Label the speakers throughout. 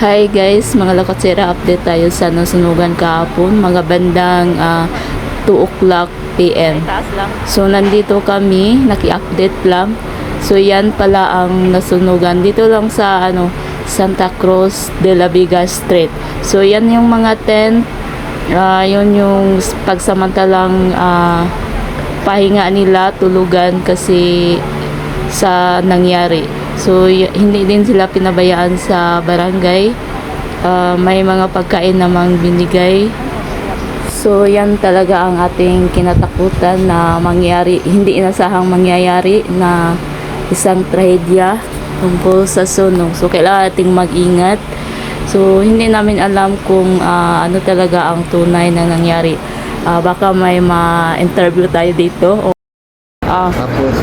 Speaker 1: Hi guys, mga Lokotsera, update tayo sa nasunugan kahapon, mga bandang 2 o'clock PM. So nandito kami, naki-update lang. So yan pala ang nasunugan dito lang sa Santa Cruz de la Vega Street. So yan yung mga tent, yun yung pagsamantalang pahinga nila, tulugan kasi sa nangyari. So hindi din sila pinabayaan sa barangay. May mga pagkain namang binigay. So yan talaga ang ating kinatakutan na mangyari, hindi inasahang mangyayari na isang trahedya tungkol sa sunog. So kailangan ating mag-ingat. So hindi namin alam kung ano talaga ang tunay na nangyari. Baka may ma-interview tayo dito.
Speaker 2: Tapos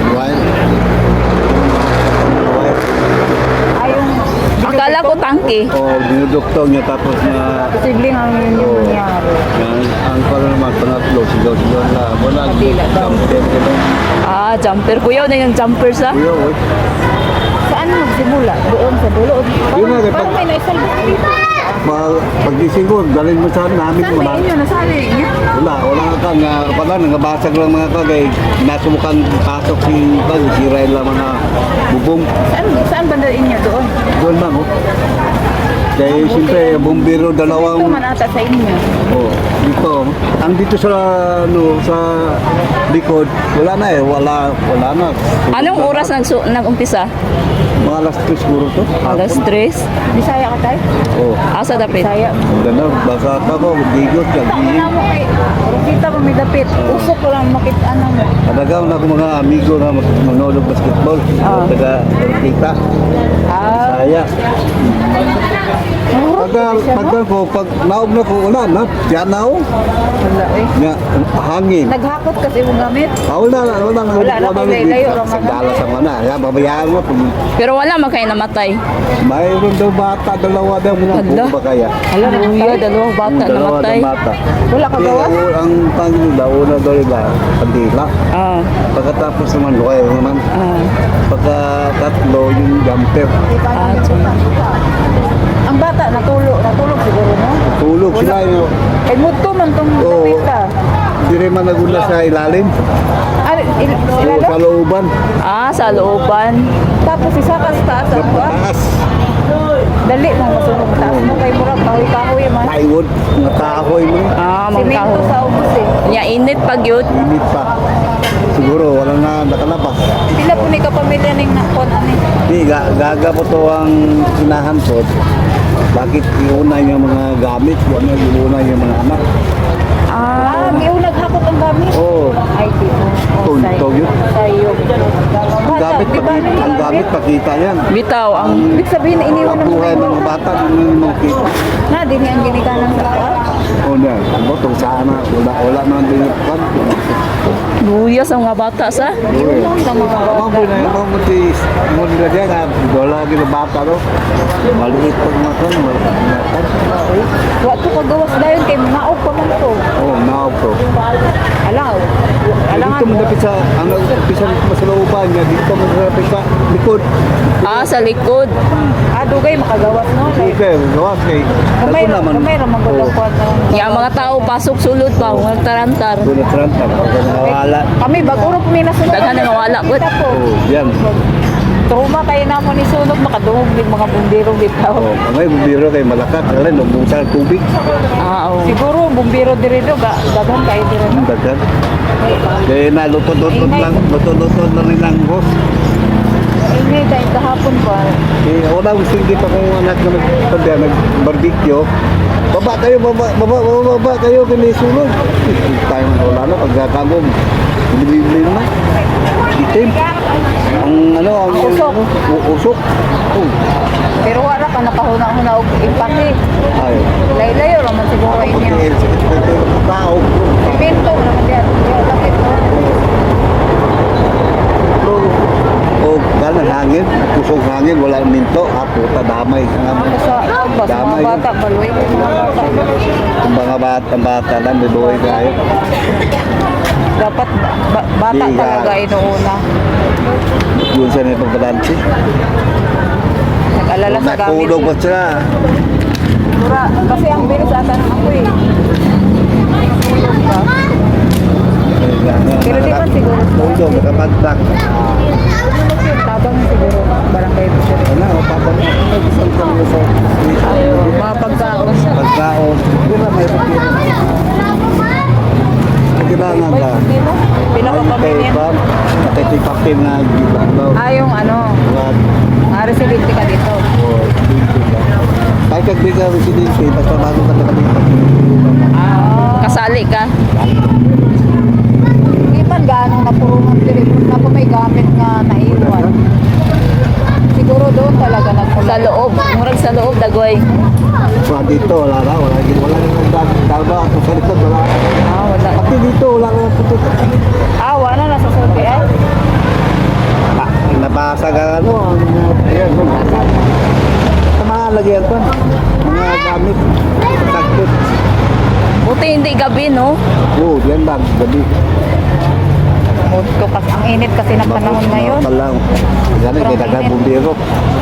Speaker 1: Akala ko tangke.
Speaker 2: dinudukto niya tapos na
Speaker 1: Posibleng ang yun nangyari.
Speaker 2: ang pala naman pangatlo, sigaw-sigaw na wala jumper
Speaker 1: Jumper. Kuya, na yung jumper sa?
Speaker 2: kuya oy.
Speaker 1: Saan magsimula? Doon sa dulo?
Speaker 2: Yun nga,
Speaker 1: Parang may naisalbok dito.
Speaker 2: Pagising ko, dalhin mo sa namin
Speaker 1: Saan may inyo? Nasali niya?
Speaker 2: wala ka nga pala nangabasag lang mga kagay nasubukan pasok si Rail lang mga bubong
Speaker 1: Saan banda inyo doon?
Speaker 2: doon lang kaya siyempre bumbiro
Speaker 1: Ito
Speaker 2: dalawang
Speaker 1: man ata sa inyo.
Speaker 2: dito ang dito sa sa likod wala na
Speaker 1: Anong oras nag-umpisa?
Speaker 2: mga alas 3 siguro to
Speaker 1: Alas 3? Bisaya ka tayo? Asa dapit? Bisaya.
Speaker 2: ganda baka ako bigot
Speaker 1: Tangin na mo kay kita mo may dapit. Usok ko lang makita mo.
Speaker 2: Talagang ako mga amigo na manonood basketball. Taga kita. Saya. Pag naog na ko, wala na. Diyan na ako.
Speaker 1: Wala eh.
Speaker 2: Nga, hangin.
Speaker 1: Naghakot kasi mo gamit.
Speaker 2: Wala na.
Speaker 1: Layo lang
Speaker 2: Sa dala sa mana. Kaya babayaan mo.
Speaker 1: Pero wala man kayo namatay.
Speaker 2: Mayroon daw bata, dalawa daw mga
Speaker 1: Hala.
Speaker 2: buong ba kaya?
Speaker 1: Hala, kuya, dalawang bata namatay.
Speaker 2: Bata.
Speaker 1: Wala ka gawas?
Speaker 2: Ang pangila, una daw iba, kandila. Pagkatapos naman, kayo naman. Pagkatatlo, yung jumper.
Speaker 1: Ang bata, natulog siguro, no?
Speaker 2: Tulog sila yun.
Speaker 1: Eh, muto man itong kapita.
Speaker 2: Hindi rin man nagula sa ilalim. Sa looban.
Speaker 1: Sa looban. Tapos isa ka sa taas.
Speaker 2: Sa pataas.
Speaker 1: Dali mong masunog taas mo. Kay murag kahoy-kahoy man.
Speaker 2: Plywood. Mga kahoy mo.
Speaker 1: Simento sa ubos eh. Init pag yun.
Speaker 2: Init pa. Siguro wala na nakalabas.
Speaker 1: Pila po ni kapamilya ning nakon ani.
Speaker 2: Hindi, gaga po to ang sinahansod. Bakit iuna yung mga gamit? Iuna yung mga anak?
Speaker 1: May naghakot ang gamit?
Speaker 2: Oo.
Speaker 1: Ay, di mo.
Speaker 2: Tog yun.
Speaker 1: Sayok.
Speaker 2: Ang gamit pakita yan.
Speaker 1: Bitaw, ang ibig sabihin na iniwan ng
Speaker 2: Kabuhay ng mga bata ng mga kita.
Speaker 1: Na, di niya ang ginikanan sa kuwan.
Speaker 2: O na, botong sana. Wala naman din yung pan.
Speaker 1: Luya sa mga bata sa?
Speaker 2: Yun lang
Speaker 1: sa mga bata.
Speaker 2: Maboy na yung mga nila dyan nga. Wala gina bata no. Maliit pag mga kan.
Speaker 1: Wato kagawas dayon kay naog pa man to.
Speaker 2: Naog to.
Speaker 1: Alaw.
Speaker 2: Dito mo napit sa, ang pisan masalauban niya, dito mo napit sa likod.
Speaker 1: Sa likod. Dugay makagawas no.
Speaker 2: Okay, gawas kay.
Speaker 1: Kamay ramang gulong yung mga tao pasok sulod pa, mga tarantar.
Speaker 2: Doon na tranta, nawala.
Speaker 1: Kami baguro po may nasunod. Daghan na nawala po.
Speaker 2: Yan.
Speaker 1: Trauma kayo na mo ni sunod, makadungog din mga bumbiro bitaw.
Speaker 2: May bumbiro kay malakat, alin, nagbusa ng tubig.
Speaker 1: Siguro bumbiro diri do, daghan kayo diri.
Speaker 2: Daghan. Kaya naluto-luto lang nilang boss.
Speaker 1: Ingay dahil kahapon pa.
Speaker 2: Wala gusto dito kung anak na nag-barbecue. Baba kayo kinisulog. Tayo wala na pagkakagom. Bili na. Itim. Ang usok.
Speaker 1: Pero wala ka nakahuna-huna og impake.
Speaker 2: Ay.
Speaker 1: Layo-layo raman siguro inyo.
Speaker 2: Tao.
Speaker 1: Pinto naman diyan. Lakit mo.
Speaker 2: Galang hangin, pusong hangin, wala minto, puta damay.
Speaker 1: Damay. Mga bata, baluy.
Speaker 2: Ang bata lang, bibuhay kayo.
Speaker 1: Dapat bata talaga inuuna.
Speaker 2: Yun sa nito balansi.
Speaker 3: Mag-alala sa gamit.
Speaker 2: Nakulog ba sila?
Speaker 3: Mura, kasi ang bilis ata ng ako eh. Tulog ka. Pero di ba siguro?
Speaker 2: Tulog, nakapantak.
Speaker 3: Tabang siguro barangay po siya.
Speaker 2: Ano, papa mo, isang kami sa
Speaker 3: Mga pagkaon.
Speaker 2: pagkaon. Hindi na may pagkaon. Kailangan ka.
Speaker 3: Pila ka pamilya?
Speaker 2: Nakitipapin na gila daw.
Speaker 3: Ah, yung ano, residente ka dito.
Speaker 2: Kahit kag di ka residente, basta bago ka nakalipat.
Speaker 1: Kasali ka.
Speaker 3: Hindi man ganong napurungan diri na po may gamit nga naiwan. Siguro doon talaga
Speaker 1: Sa loob. Murag sa loob, dagoy.
Speaker 2: Wala dito, wala na. Wala nang dama. Kung sa likod, wala.
Speaker 3: Ah, wala.
Speaker 2: Pati dito, wala nang putot.
Speaker 3: Ah, wala na sa sulti eh.
Speaker 2: Nabasag ang ano, ayan, nabasag. Sa mga lagyan ko, mga gamit, sakit.
Speaker 1: Buti hindi gabi, no?
Speaker 2: Oo, yan lang, gabi.
Speaker 3: Mundo kasi ang init kasi ng panahon ngayon.
Speaker 2: Talang, yan ay kailangan bumbiro.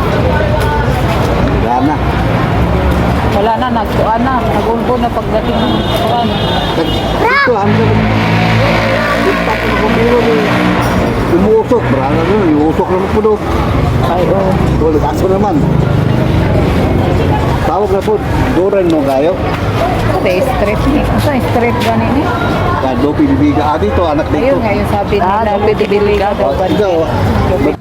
Speaker 2: Gana.
Speaker 3: Wala na, nagtuan na. Nagulbo na pagdating ng tuan.
Speaker 2: Ito, ang impact ng bumbiro ni umuusok, brana nun, iusok naman po doon.
Speaker 3: Ay, oh.
Speaker 2: Wala, kaso naman. Tawag na po, duran mo kayo.
Speaker 3: Kasi straight ni. Asa straight gani ni?
Speaker 2: Kado, pinibiga. Ah, dito, anak dito.
Speaker 3: Ayun nga yung sabi nila.
Speaker 1: Ah, Dopi de Biliga.
Speaker 3: daw ba?
Speaker 2: Ito,